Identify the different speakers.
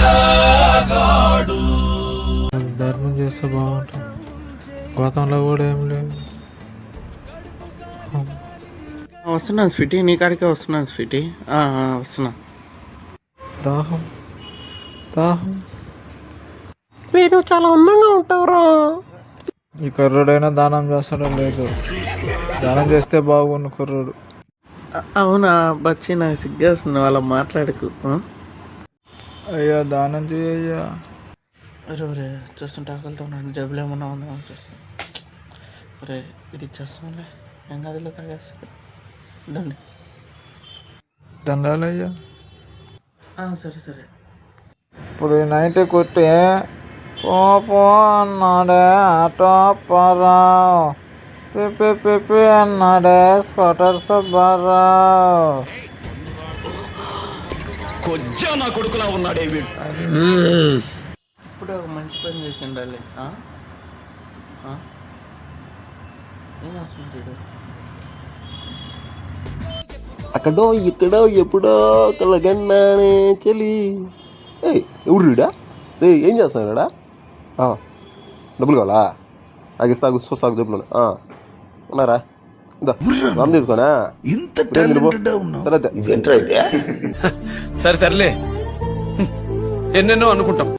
Speaker 1: ధర్మం చేస్తే బాగుంటుంది. గౌతంలో కూడా ఏం లేదు.
Speaker 2: వస్తున్నాను స్వీటీ, నీ కాడికే వస్తున్నాను స్వీటీ. వస్తున్నా.
Speaker 1: దాహం దాహం. వీడు చాలా అందంగా ఉంటావురా. ఈ కుర్రుడైనా దానం చేస్తాడో లేదు. దానం చేస్తే బాగుండు కుర్రుడు.
Speaker 2: అవునా బచ్చి, నాకు సిగ్గేస్తుంది వాళ్ళ మాట్లాడుకు.
Speaker 1: అయ్యా దానం చేయయ్యా.
Speaker 2: అరే చూస్తుంటే ఆకలితో ఉన్నాను. జబ్బులు ఏమన్నా ఉందా చూస్తాను. అరే ఇది ఇచ్చేస్తానులే, ఏం గదిలో తాగేస్తాడు. దండి.
Speaker 1: దండాలయ్యా.
Speaker 2: సరే సరే.
Speaker 1: ఇప్పుడు నైట్ కొట్టి పో అన్నాడే ఆటో అప్పారావు. పిపి అన్నాడే స్కూటర్ సుబ్బారావు.
Speaker 3: నా కొడుకులా ఉన్నాడే
Speaker 2: ఇప్పుడు ఒక మంచి పని చేసి ఉండాలి. ఏం చేస్తున్నాడు?
Speaker 3: అక్కడో ఇక్కడో ఎప్పుడో కలగన్నానే చెలి. ఎవడు రీడా రే, ఏం చేస్తున్నాడా? డబ్బులు కావాలా? నాకు సాగు సాగు డబ్బులు ఉన్నారా? రమ్ తీసుకోనా? సరే
Speaker 4: సరే తరలే ఎన్నెన్నో అనుకుంటాం.